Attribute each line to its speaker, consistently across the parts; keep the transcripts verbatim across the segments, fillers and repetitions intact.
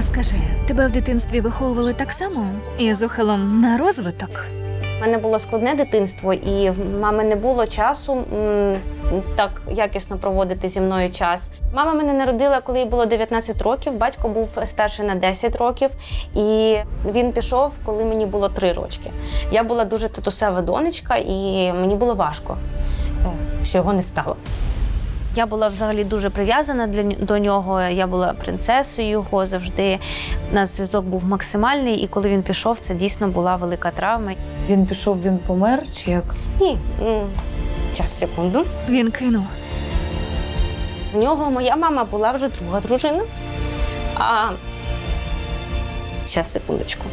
Speaker 1: А скажи, тебе в дитинстві виховували так само? Із ухилом на розвиток?
Speaker 2: У мене було складне дитинство, і в мами не було часу м, так якісно проводити зі мною час. Мама мене народила, коли їй було дев'ятнадцять років, батько був старший на десять років, і він пішов, коли мені було три рочки. Я була дуже татусева донечка, і мені було важко, що його не стало. Я була взагалі дуже прив'язана для, до нього, я була принцесою його завжди. У нас зв'язок був максимальний, і коли він пішов, це дійсно була велика травма.
Speaker 3: Він пішов, він помер чи як?
Speaker 2: Ні, час, секунду.
Speaker 1: Він кинув.
Speaker 2: В нього моя мама була вже друга дружина. А зараз, секундочку.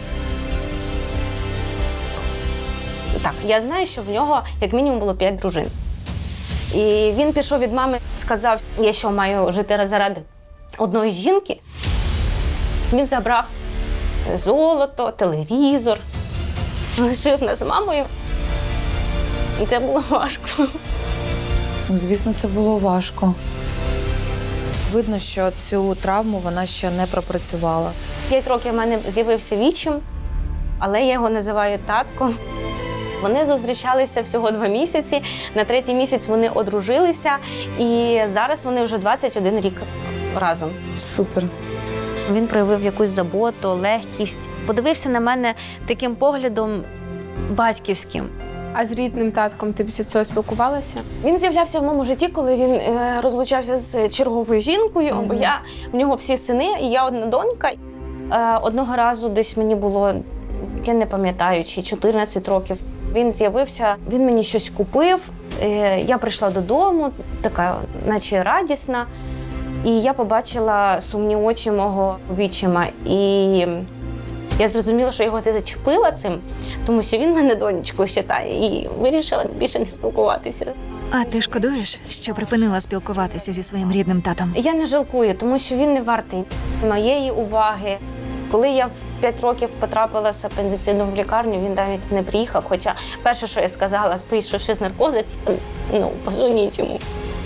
Speaker 2: Так, я знаю, що в нього як мінімум було п'ять дружин. І він пішов від мами, сказав, я що, маю жити заради одної жінки. Він забрав золото, телевізор, лишив нас з мамою. І це було важко.
Speaker 3: Ну, звісно, це було важко. Видно, що цю травму вона ще не пропрацювала.
Speaker 2: П'ять років в мене з'явився вічим, але я його називаю татком. Вони зустрічалися всього два місяці, на третій місяць вони одружилися, і зараз вони вже двадцять один рік разом.
Speaker 3: Супер.
Speaker 2: Він проявив якусь заботу, легкість, подивився на мене таким поглядом батьківським.
Speaker 4: А з рідним татком ти після цього спілкувалася?
Speaker 2: Він з'являвся в моєму житті, коли він е, розлучався з черговою жінкою, бо
Speaker 3: Mm-hmm.
Speaker 2: я, в нього всі сини, і я одна донька. Е, одного разу десь мені було, я не пам'ятаю, чи чотирнадцять років. Він з'явився, він мені щось купив, е, я прийшла додому, така наче радісна, і я побачила сумні очі мого вічима. І я зрозуміла, що його це зачепило цим, тому що він мене донечкою вважає, і вирішила більше не спілкуватися.
Speaker 1: А ти шкодуєш, що припинила спілкуватися зі своїм рідним татом?
Speaker 2: Я не жалкую, тому що він не вартий моєї уваги. Коли я в п'ять років потрапила з апендицитом в лікарню, він навіть не приїхав. Хоча перше, що я сказала, вийшовши з наркозу, типу, ну, позвоніть йому.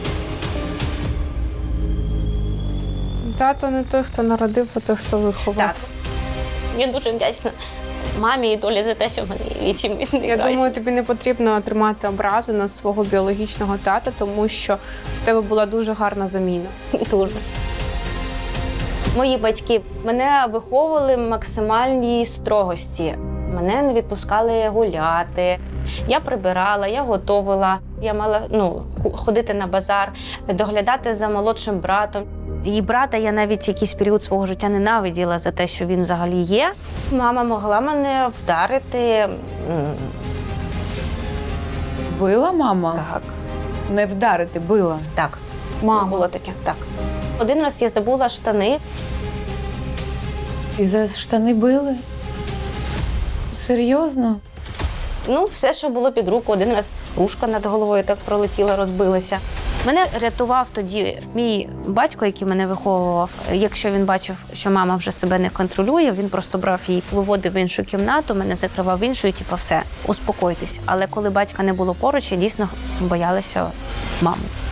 Speaker 4: Тато не той, хто народив, а той, хто виховав.
Speaker 2: Так. Я дуже вдячна мамі і долі за те, що в мене є вічим. Він
Speaker 4: Я
Speaker 2: найкращий.
Speaker 4: думаю, тобі не потрібно тримати образу на свого біологічного тата, тому що в тебе була дуже гарна заміна.
Speaker 2: Дуже. Мої батьки мене виховували в максимальній строгості. Мене не відпускали гуляти. Я прибирала, я готувала. Я мала ну, ходити на базар, доглядати за молодшим братом. Її брата я навіть якийсь період свого життя ненавиділа за те, що він взагалі є. Мама могла мене вдарити.
Speaker 3: Била мама?
Speaker 2: Так.
Speaker 3: Не вдарити, била.
Speaker 2: Так. Мама було таке. Так. Один раз я забула штани.
Speaker 3: І за штани били? Серйозно?
Speaker 2: Ну, все, що було під руку. Один раз кружка над головою так пролетіла, розбилася. Мене рятував тоді мій батько, який мене виховував. Якщо він бачив, що мама вже себе не контролює, він просто брав її, виводив в іншу кімнату, мене закривав в іншу і типу, все, успокойтесь. Але коли батька не було поруч, я дійсно боялася маму.